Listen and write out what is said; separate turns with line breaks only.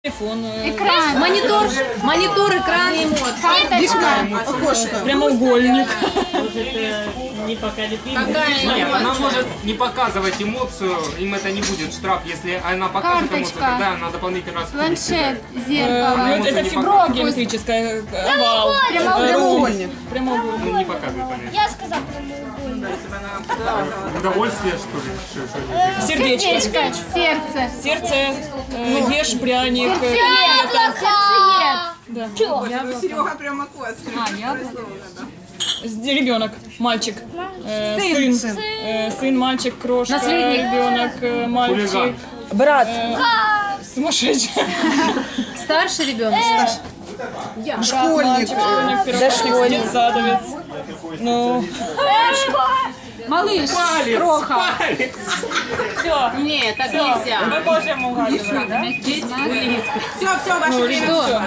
Телефон,
Экран. Монитор, экран, карточка.
Окошко.
прямоугольник.
Нет, она может не показывать эмоцию, им это не будет штраф. Если она покажет эмоцию,
Карточка.
тогда надо дополнительный раз.
Планшет,
Ну,
зеркало.
это фибро геометрическое, овал.
Прямоугольник.
Прямоугольник.
Ну, не показывает она.
Я сказал прямоугольник.
Удовольствие, что ли? Что
Сердечко.
Сердечко, сердце.
Сердце, ешь пряник.
Сердцеед.
Серега прямо кос.
Ребенок, мальчик, сын, мальчик, крошка,
Наследник.
ребенок, мальчик,
Хулиган.
Брат.
сумасшедший,
Старший ребенок.
Школьник.
школьник, первоклассник, детсадовец. Ну,
Малыш. Кроха.
все.
Нет, так нельзя.
Мы можем угадывать, да?
Все, ваши
Все.